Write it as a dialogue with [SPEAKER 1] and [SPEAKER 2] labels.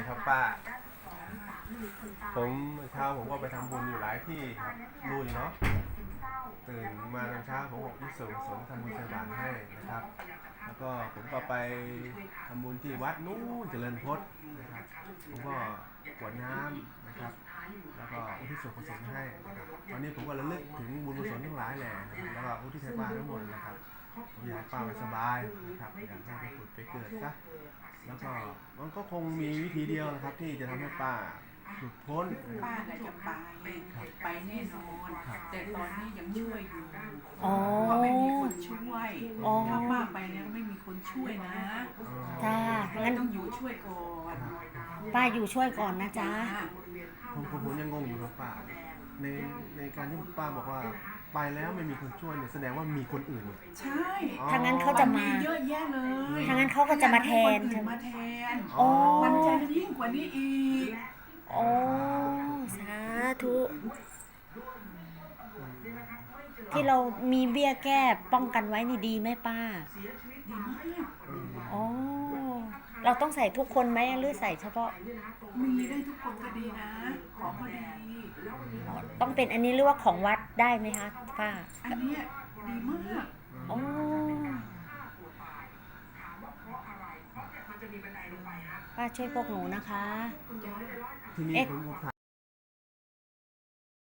[SPEAKER 1] ดีครับป้าผมเช้าผมก็ไปทำบุญอยู่หลายที่ครับรู้อยู่เนาะตื่นมาตอนเช้าผมบอกที่สนทำบุญใส่บาตรให้นะครับแล้วก็ผมก็ไปทำบุญที่วัดนู้นเจริญพจน์นะครับผมก็กรวดน้ำนะครับแล้วก็อุทิศส่วนกุศลให้นะครับตอนนี้ผมก็ระลึกถึงบุญกุศลทั้งหลายแหละนะครับแล้วก็อุทิศให้ป้าทั้งหมดนะครับผมอยากให้ป้าสบายนะครับอยากให้ไปผุดไปเกิดซะแล้วก็มันก็คงมีวิธีเดียวนะครับที่จะทำให้ป้าหลุดพ้น
[SPEAKER 2] ป้าน่ะจะไปแน่นอนแต่ตอนนี้ยังช่วยอยู่
[SPEAKER 3] อ๋อ
[SPEAKER 2] เพราะไม่มีคนช่วยถ้าป้าไปแล้วไม่มีคนช่วยนะ
[SPEAKER 3] จ้างั้น
[SPEAKER 2] ต้องอยู่ช่วยก่อน
[SPEAKER 3] ป้าอยู่ช่วยก่อนนะจ๊ะ
[SPEAKER 1] ผมยังงงอยู่ครับป้าในการที่ป้าบอกว่าไปแล้วไม่มีคนช่วยเนี่ยแสดงว่ามีคนอื่นอยู่
[SPEAKER 2] ใช่
[SPEAKER 3] ทางนั้นเขาจะมา
[SPEAKER 2] เยอะแยะเลย
[SPEAKER 3] ทางนั้นเขาก็จะมาแทน
[SPEAKER 2] มาแทน
[SPEAKER 3] อ๋อ
[SPEAKER 2] มันจะยิ่งกว่านี้อีก
[SPEAKER 3] โอ้สาธุที่เรามีเบี้ยแก้ป้องกันไว้นี่ดีไหมป้า
[SPEAKER 2] ดีมาก
[SPEAKER 3] อ๋อเราต้องใส่ทุกคนไหมหรือใส่เฉพาะ
[SPEAKER 2] มีได้ทุกคนก็ดีนะของก็ดี
[SPEAKER 3] ต้องเป็นอันนี้หรือว่าของวัดได้ไหมคะป้า
[SPEAKER 2] อันนี้ดีมาก
[SPEAKER 3] อ๋อป้าช่วยพวกหนูนะคะ
[SPEAKER 1] ที่นี่ผม